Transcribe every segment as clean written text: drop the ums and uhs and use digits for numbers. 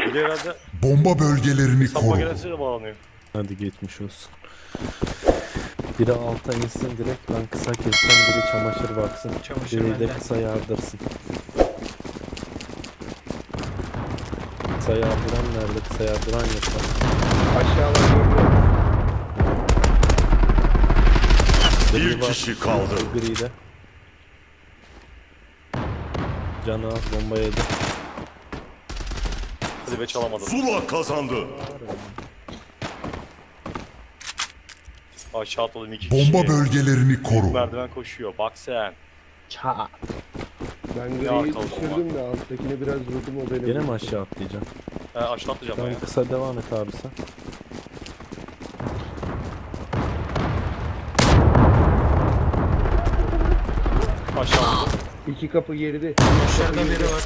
Bir de herhalde Bomba bölgelerini sapma koru. gelensiyle bağlanıyor. Hadi geçmiş olsun. Biri alta insin direkt, ben kısa kessem, biri çamaşır baksın. Çamaşır Biri de bende. kısa yardırsın. Kısa yardıran nerede? Kısa yardıran yok. Aşağılar görüyor. Bir kişi kaldı. Gri de. Canı az, bomba yedi. Hadi be çalamadım. Zula kazandı. Aşağı atladım 2 kişi. Bomba bölgelerini koru. Merdiven koşuyor. Bak sen. Ça. Ben Ya griyi kaldım düşürdüm de alttakine biraz vurdum, o beni. Yine mi vurdu. aşağı atlayacağım? Aşağı atlayacağım ben Tamam, ya. kısa devam et abi sen. Aşağı atladım. İki kapı geride. Dışarıda biri var.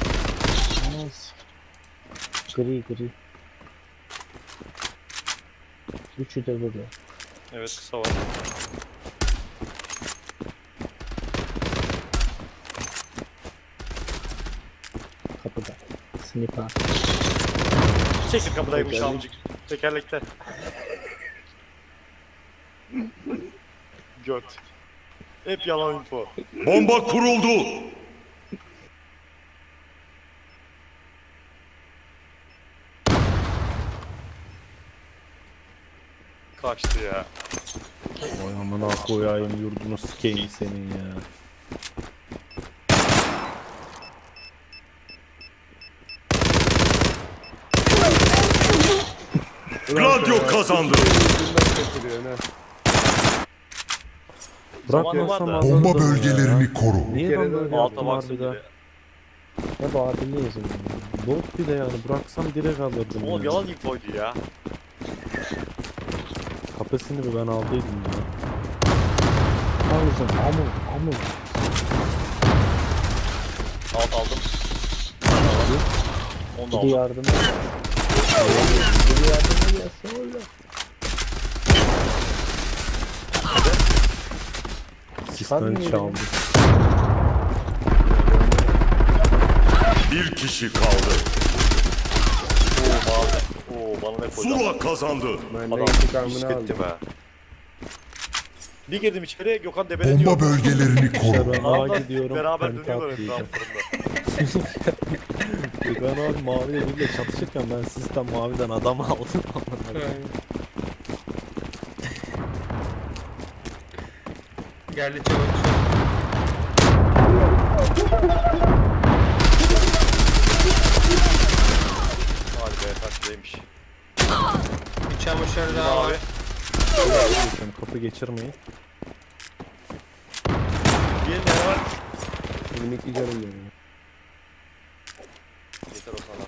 Gri. Üçü de burada. Evet kısa var. Kapıda. Sniper. Çekil kapıdaymış amcık. Tekerlekte. Göt. Hep yalan info. Bomba kuruldu. Kaçtı ya. Oy amına koyayım, yurdunu sikeyim senin ya. Gladio kazandı. Ucundan kaçırıyor ha. Zamanı Bırakmasam var da. alırdım Bomba ya. bölgelerini koru. Niye Bir kere ben böyle daha Alta yaptım baksın harbiden? bir de. Hep adiliyiz yani. Bot bir de yani, bıraksam direkt alırdım. Oğlum ya. yalan infoydu ya. Kapısını bir ben aldıydım ya. Aldım. Amul. Alt aldım. Onu da Bir aldım. yardım. Bir yardım gelse öyle. Sistem Çıkarmıyor çaldı. Bir kişi kaldı. Oo mavi. Oo bana ne koydu? Zula kazandı. Ben de Adam intikamını üstetti aldım. be. Bir girdim içeri Gökhan debele diyor. Bomba bölgelerini koru. Ben Adamlar A'ya gidiyorum. beraber penta dönüyorlar atlayacağım. etraflarında. Ben abi maviyle birle çatışırken ben sistem maviden adam aldım. Geldi çabuk. Hadi be taşlıymış. Bir çamaşır daha var. Abi. Geçiyorum, kapı geçirmeyin. Bir ne var? 22 canım benim. Yeter o sana.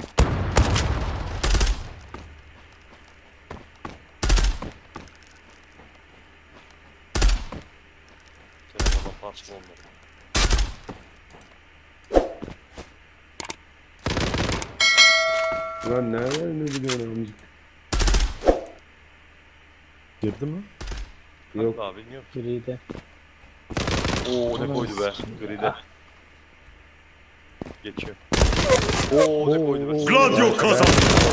Telefona parça olmadı. Lan nereden ne biliyorsun amcık? Girdi mi? Yok. Abi bilmiyorum. Gri'de. Oo ne koydu be. Gride. Geçiyor. Oo ne koydu be. Gladio kazandı.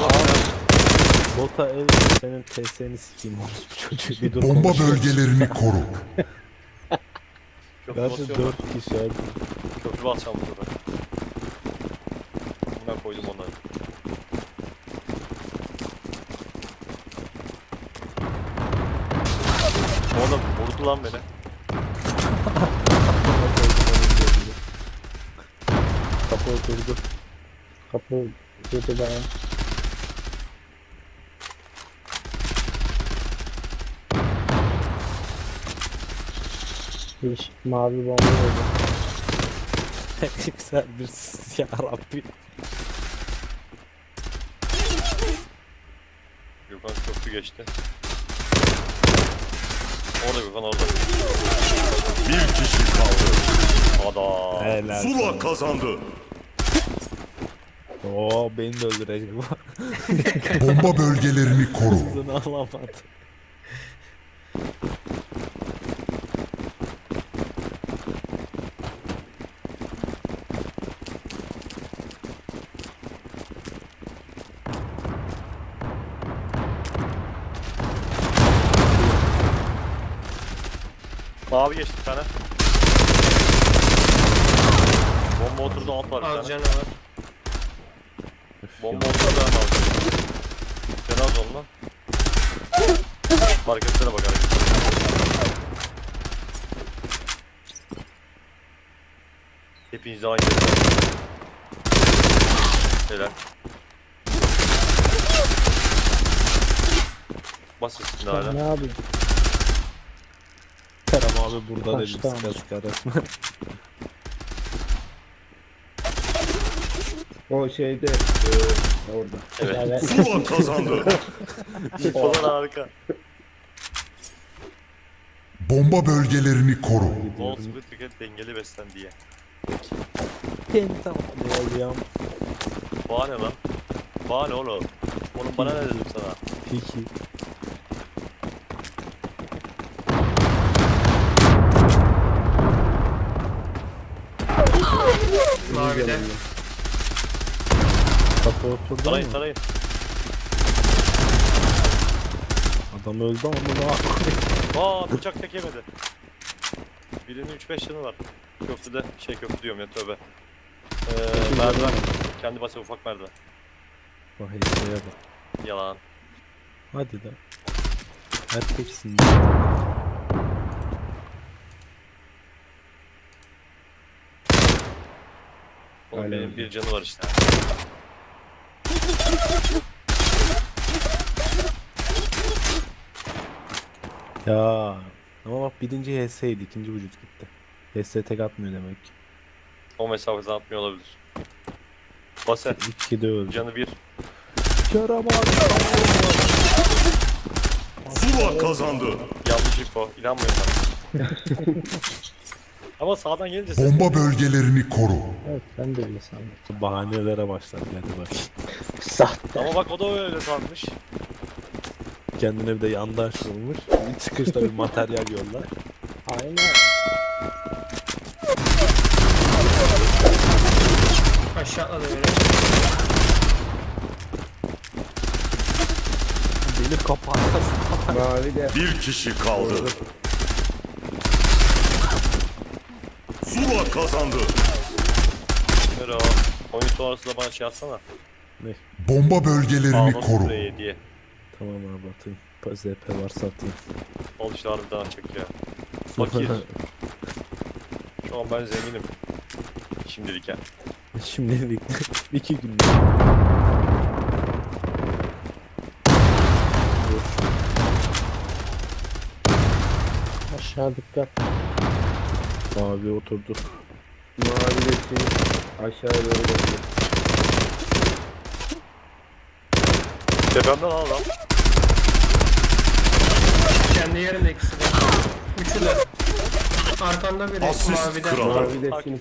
Bota el, senin TS'ni sikeyim orospu çocuğu, bir dur Bomba konuşalım. bölgelerini koru. Köprü Gerçi basıyorum. 4 kişi abi. Köprü basacağım burada. Buna koydum onları. Oğlum vurdu lan beni. Kapı oturdu. Kapı girdi bana. Bir mavi bomba oldu. Güzel bir sis ya Rabbi. Gökhan köprü geçti. Orada Gökhan orada. Bir kişi kaldı. Adam. Helal. Zula kazandı. Oo, beni de öldürecek bu. Bomba bölgelerini koru. Hızını alamadı. Mavi geçti bir tane. Bomba oturdu, alt var bir Az tane. canı var. Bomba oturdu, ben aldım. Cenaz ol lan. Marketlere bak hareket. Hepiniz aynı yerde. Helal. Bas üstüne hala. Ne yapayım? Kerem abi burada dedim Kaçtı sıka ama. sıka resmen. O şeyde orada. Evet. Evet. Zula kazandı. İnfolar harika. Bomba bölgelerini koru. Bol sıvı tüket, dengeli beslen diye. Tamam ne oluyor? Bahane lan. Bahane oğlum. Oğlum bana ne dedim sana? Peki. Mavide. Kapı oturdu Tarayın mu? tarayın. Adam öldü ama ne yapayım? Aa bıçak tek yemedi. Birinin 3-5 yanı var. Köprüde köprü diyorum ya, tövbe. Merdiven. Kendi basa ufak merdiven. Vay şeye bak. Yalan. Hadi de. Erkeksin. Oğlum Hala benim öyle. bir canı var işte. Ya. Ama bak birinci HS'ydi, ikinci vücut gitti. HS tek atmıyor demek ki. O mesafeden atmıyor olabilir. Base. 2'de öldü. Canı bir. Kerem abi. Zula kazandı. Yanlış info. İnanmayın bana. Ama sağdan gelince ses Bomba bölgelerini koru. Evet ben de öyle sandım. Bahanelere başladı hadi bak. Sahte. Ama bak o da öyle sanmış. Kendine bir de yandaş bulmuş. Bir çıkışta bir materyal yollar. Aynen. Aşağı atladı böyle. Beni kaparsın. Mavi de Bir kişi kaldı. Zula kazandı. Öyle o. Oyun sonrası da bana şey atsana. Bomba bölgelerini Ağla koru. süreye diye. Tamam abi atayım. ZP varsa atayım. Al işte harbiden açacak ya. Fakir. Şu an ben zenginim. Şimdilik yani. Şimdilik 2 gün. Aşağı dikkat. Abi oturdu. mavi de şimdi aşağıya doğru bakıyor. Tepemden al lan. Kendi yerinde ikisi de. Üçü de. Arkanda biri Asist mavide. kralı. Mavi de şimdi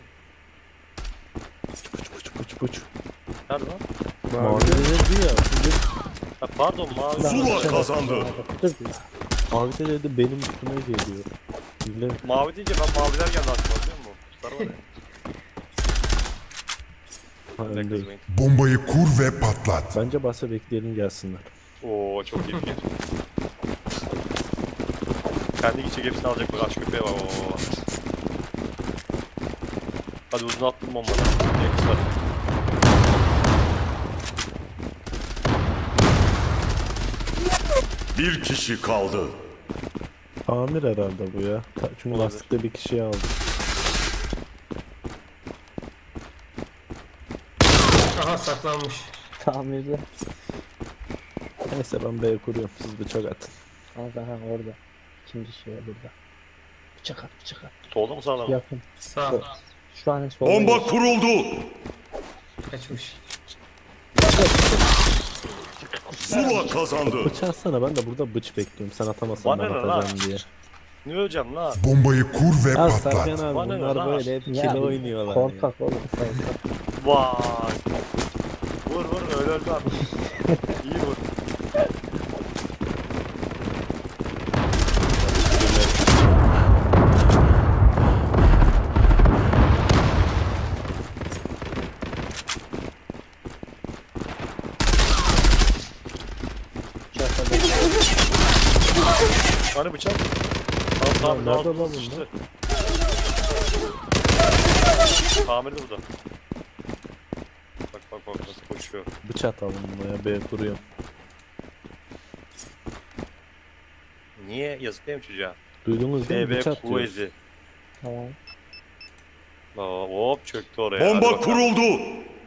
Puç puç. Nerede lan? Mavi mavi de dedi ya. Ha, pardon mavi. Zula kazandı. Dur bir. Mavi de dedi benim üstüme geliyor. Bile Mavi deyince ben maviler geldi aklıma, biliyor musun? Kuşlar var ya. ha, Ne önde. kızmayın. Bombayı kur ve patlat. Bence basa bekleyelim gelsinler. Oo çok iyi fikir. Kendi gidecek, hepsini alacak, bak aç köpeğe bak. Oo. Hadi uzun attım bombadan. Diye kızlar. Bir kişi kaldı. Tamir herhalde bu ya. Çünkü Olabilir. lastikte bir kişiyi aldı. Aha saklanmış. Tamirde. Neyse ben B'ye kuruyorum. Siz bıçak atın. Orada ha orada. İkinci şey burada. Bıçak at bıçak at. Solda mı sağda mı? Yakın. Sağ. Şu an solda. Bomba kuruldu. Kaçmış. Zula kazandı. Bıçağı atsana, ben de burada bıç bekliyorum. Sen atamazsan ben Bana ne lan? atacağım diye. Ne öleceğim lan? Bombayı kur ve Ya patlat. Sergen abi Bana ne bunlar lan? böyle hep Ya, kilo oynuyorlar ya. korkak oğlum. Korkak. Vay. Vur vur, öyle öldü abi. İyi vur. Bıçak at. Hani bıçak? Al. tamir nerede lan altı bunlar? işte. Tamirde burada. Bak nasıl koşuyor. Bıçak atalım buna ya. B kuruyorum. Niye? Yazık değil mi çocuğa? Duydunuz değil mi? FB Bıçak diyoruz. Kuvvezi. Tamam. Hop çöktü oraya. Hadi Bomba bakalım. kuruldu.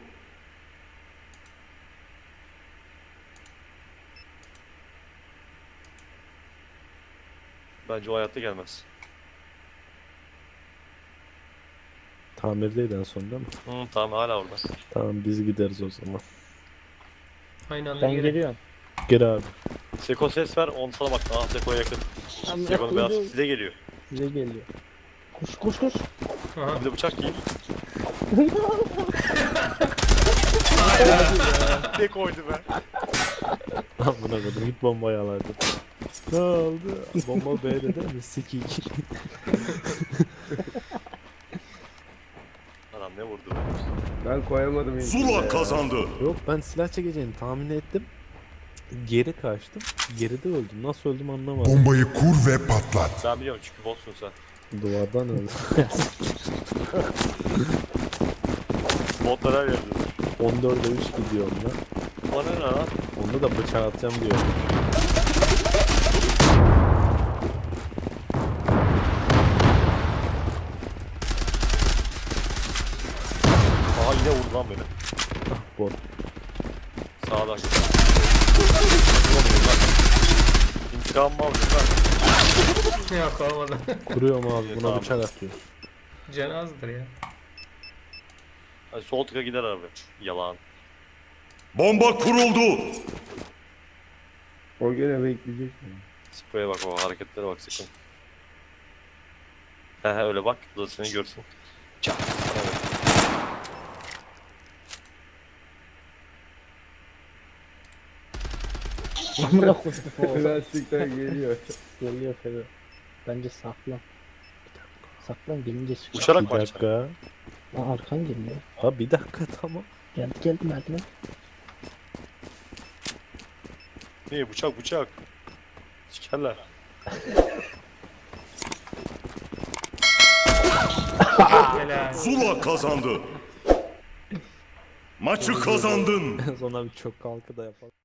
Bence o hayatta gelmez. Tamirdeydi en son değil mi? Tamam hala orada. Tamam biz gideriz o zaman. Aynı anda Ben geri. geliyorum. Gir abi. Seko ses ver, on sana bak. Aa Seko'ya yakın. Seko'nun beyaz size geliyor. Size geliyor. Koş. Aha. Bir de bıçak yiyin. Ne koydu be? Amına koydum. Git bombayı alaydı. Ne oldu? Bomba B'de değil mi? Sikik. Adam ne vurdu be? Ben koyamadım. Zula kazandı. Yok ben silah çekeceğini tahmin ettim. Geri kaçtım. Geride öldüm. Nasıl öldüm anlamadım. Bombayı kur ve patlat. Ben biliyorum çünkü botsun sen. Duvardan öldüm. Botlar her yerde. 14'e 3 gidiyorum lan. O ne lan? Onda da bıçak atacağım diyor. Aha yine vurdu lan beni. Bot. Sağdan git. İntikamımı aldım ben. Yok olmadı. Kuruyorum abi. Buna Tamam. bıçak atıyor. Can azdır ya. Hadi sol tıka gider abi. Yalan. Bomba kuruldu. O gene bekleyecek mi? Spreye bak, o hareketlere bak sakın. He öyle bak. Bu da seni görsün. Çak. Evet. Amına koydum. Plastikten geliyor. Geliyor Fero. Bence saklan. Saklan gelince çıkıyor. Uçarak Bir mı açacak? dakika. Aa, arkan geliyor. Ha bir dakika tamam. Geldi merdiven. Ne bıçak. Sikerler. Helal. Zula kazandı. Maçı kazandın. Sonra bir çok kalkı da yapalım.